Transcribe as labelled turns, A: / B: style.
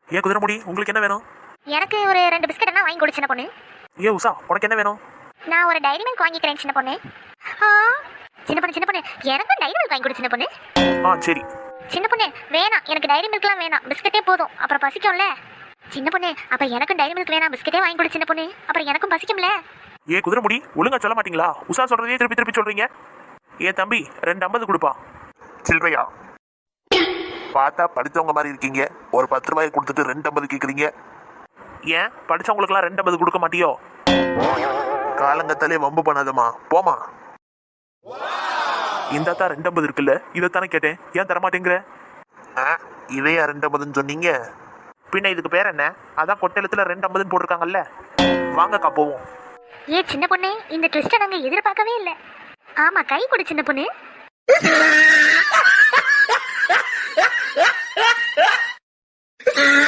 A: ஏன் குதிரைமுடி, உங்களுக்கு என்ன வேணும்?
B: எனக்கு ஒரு 2 பிஸ்கட் என்ன வாங்கி கொடு சின்ன பொண்ணு.
A: ஏ உஷா, உனக்கு என்ன வேணும்?
B: நான் ஒரு டைரி மில்க் வாங்கிக்கிறேன் சின்ன பொண்ணு. ஆ சின்ன பொண்ணு எனக்கும் டைரி மில்க் வாங்கி கொடு சின்ன பொண்ணு.
A: சரி.
B: சின்ன பொண்ணு வேணாம், எனக்கு டைரி மில்க்லாம் வேணாம், பிஸ்கட்டே போதும், அப்புறம் பசிக்கும்ல. சின்ன பொண்ணு அப்ப எனக்கும் டைரி மில்க் வேணாம், பிஸ்கட்டே வாங்கி கொடு சின்ன பொண்ணு, அப்புறம் எனக்கும் பசிக்கும்ல.
A: ஏ குதிரைமுடி, ஒழுங்கா சொல்ல மாட்டீங்களா? உஷா சொல்றதே திருப்பி திருப்பி சொல்றீங்க. ஏன் தம்பி 2.50 கொடுப்பா.
C: சில்வையா, பார்த்தா படித்தவங்க மாதிரி இருக்கீங்க. ஒரு 10 ரூபாய் கொடுத்துட்டு 2.50 கேட்குறீங்க.
A: ஏன் படிச்சவங்களுக்குலாம் 2.50 கொடுக்க மாட்டியோ?
C: காலங்கத்தாலே வம்பு பண்ணாதம்மா, போமா.
A: இந்த தான் 2.50 இருக்குல்ல, இதைத்தானே கேட்டேன். ஏன் தரமாட்டேங்கிற?
C: இதையா 2.50 சொன்னீங்க?
A: பின்ன இதுக்கு பேர் என்ன? அதான் கொட்டெழுத்துல 2.50 போட்டிருக்காங்கல்ல. வாங்கக்கா போவோம்.
B: ஏ சின்ன பொண்ணு, இந்த ட்விஸ்ட்டை நாங்க எதிர்பார்க்கவே இல்லை. ஆமா, கை கொடு சின்ன பொண்ணு.